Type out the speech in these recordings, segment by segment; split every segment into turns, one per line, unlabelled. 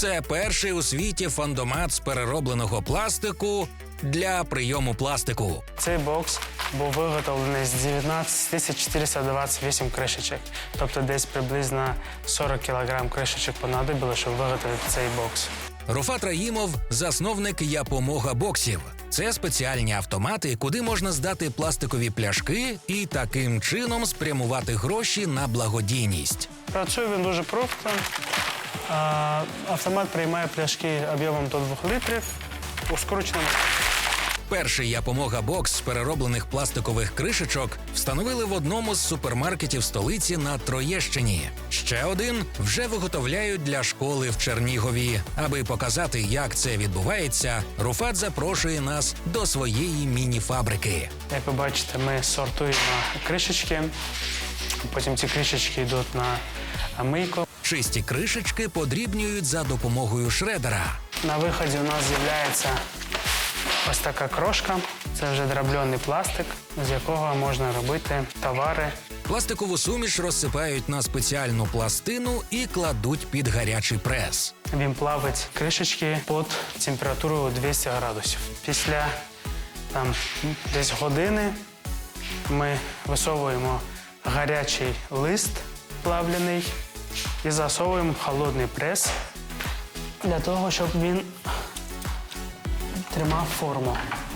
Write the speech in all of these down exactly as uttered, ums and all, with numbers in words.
Це перший у світі фондомат з переробленого пластику для прийому пластику.
Цей бокс був виготовлений з дев'ятнадцять тисяч чотириста двадцять вісім кришечок. Тобто десь приблизно сорок кілограм кришечок понадобило, щоб виготовити цей бокс.
Руфат Раїмов – засновник «Япомога боксів». Це спеціальні автомати, куди можна здати пластикові пляшки і таким чином спрямувати гроші на благодійність.
Працює він дуже просто. Автомат приймає пляшки об'ємом до двох літрів у скрученому.
Перший «Япомога бокс» з перероблених пластикових кришечок встановили в одному з супермаркетів столиці на Троєщині. Ще один вже виготовляють для школи в Чернігові. Аби показати, як це відбувається, Руфат запрошує нас до своєї міні-фабрики.
Як ви бачите, ми сортуємо кришечки, потім ці кришечки йдуть на мийку.
Чисті кришечки подрібнюють за допомогою шредера.
На виході у нас з'являється ось така крошка. Це вже дробльоний пластик, з якого можна робити товари.
Пластикову суміш розсипають на спеціальну пластину і кладуть під гарячий прес.
Він плавить кришечки під температурою двісті градусів. Після там, десь години ми висовуємо гарячий лист плавлений і засовуємо в холодний прес для того, щоб він тримав форму.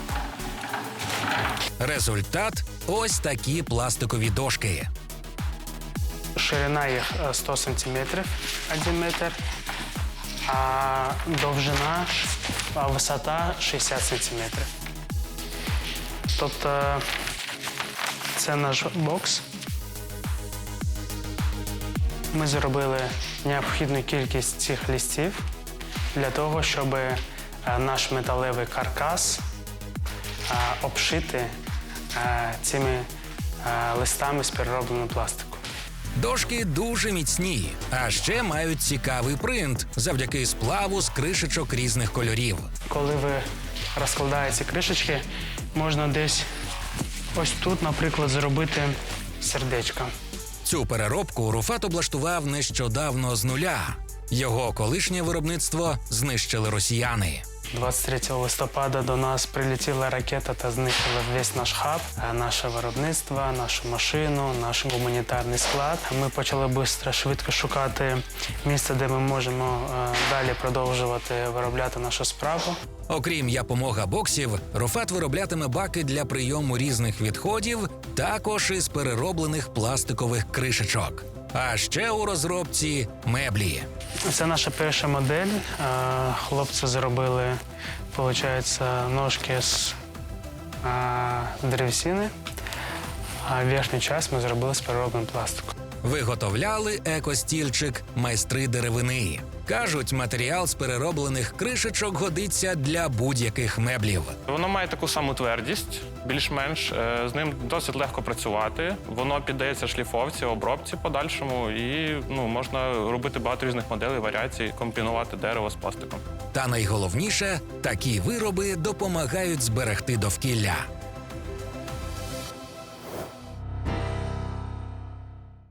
Результат – ось такі пластикові дошки.
Ширина їх сто сантиметрів, один метр, а довжина, а висота шістдесят сантиметрів. Тобто це наш бокс. Ми зробили необхідну кількість цих листів для того, щоб наш металевий каркас обшити цими листами з переробленого пластику.
Дошки дуже міцні, а ще мають цікавий принт завдяки сплаву з кришечок різних кольорів.
Коли ви розкладаєте кришечки, можна десь ось тут, наприклад, зробити сердечко.
Цю переробку Руфат облаштував нещодавно з нуля. Його колишнє виробництво знищили росіяни.
двадцять третього листопада до нас прилетіла ракета та знищила весь наш хаб, наше виробництво, нашу машину, наш гуманітарний склад. Ми почали швидко, швидко шукати місце, де ми можемо далі продовжувати виробляти нашу справу.
Окрім «Япомога боксів», Руфат вироблятиме баки для прийому різних відходів, також із перероблених пластикових кришечок. А ще у розробці меблі.
Це наша перша модель. Хлопці зробили, виходить, ножки з древесини, а верхню частину ми зробили з переробленого пластику.
Виготовляли екостільчик майстри деревини. Кажуть, матеріал з перероблених кришечок годиться для будь-яких меблів.
Воно має таку саму твердість, більш-менш. З ним досить легко працювати. Воно піддається шліфовці, обробці подальшому і ну, можна робити багато різних моделей, варіацій, комбінувати дерево з пластиком.
Та найголовніше, такі вироби допомагають зберегти довкілля.